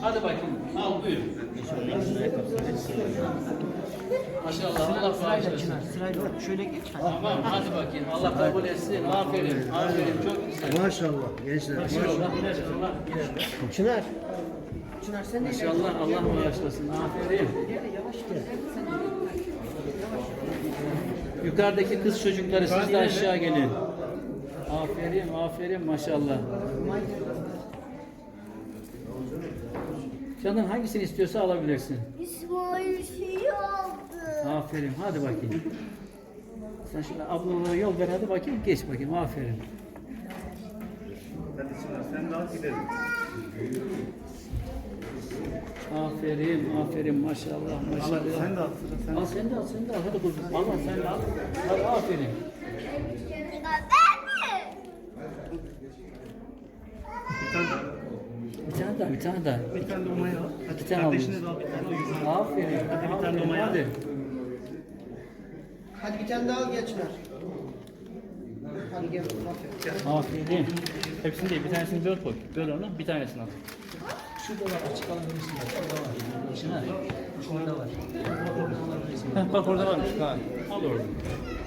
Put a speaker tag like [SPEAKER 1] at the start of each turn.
[SPEAKER 1] Hadi bakayım. Al buyur. Maşallah Allah bağışlasın.
[SPEAKER 2] Sırayla şöyle geç.
[SPEAKER 1] Tamam hadi bakayım. Allah kabul etsin. Aferin. Aferin. Çok güzel.
[SPEAKER 3] Maşallah gençler.
[SPEAKER 1] Maşallah.
[SPEAKER 2] Çınar. Çınar sen de
[SPEAKER 1] Maşallah Allah bağışlasın. Aferin.
[SPEAKER 2] yavaş gel.
[SPEAKER 1] Yukarıdaki kız çocukları siz de aşağı gelin. Aferin, aferin maşallah. Canın hangisini istiyorsa alabilirsin.
[SPEAKER 4] İsmail şey aldı.
[SPEAKER 1] Aferin, hadi bakayım. Sen şimdi ablalara yol ver, hadi bakayım, geç bakayım, aferin.
[SPEAKER 3] Hadi Çınar sen de al gidelim.
[SPEAKER 1] Aferin, aferin maşallah, maşallah.
[SPEAKER 3] Sen de al. Sen
[SPEAKER 1] Al sen de al, sen de al, hadi kuzum. Allah sen de al. Hadi aferin.
[SPEAKER 3] bir tane daha.
[SPEAKER 1] Bir tane daha,
[SPEAKER 3] Bir tane de Umay'a al. Hadi
[SPEAKER 1] Bir tane
[SPEAKER 3] kardeşine
[SPEAKER 1] aldım.
[SPEAKER 3] de al bir tane. O yüzden.
[SPEAKER 1] Aferin.
[SPEAKER 3] Hadi bir tane
[SPEAKER 1] aferin,
[SPEAKER 3] Umay'a al.
[SPEAKER 1] hadi.
[SPEAKER 2] Hadi bir tane daha al gel Çınar. Hadi gel. Aferin.
[SPEAKER 1] Aferin.
[SPEAKER 5] Hepsini değil, bir tanesini böl koy. Böl onu, bir tanesini al.
[SPEAKER 1] Şurada var, açık alabilirsin. Şurada var. Şuna. Şurada var.
[SPEAKER 5] Heh, bak orada varmış. Ha. Al orada.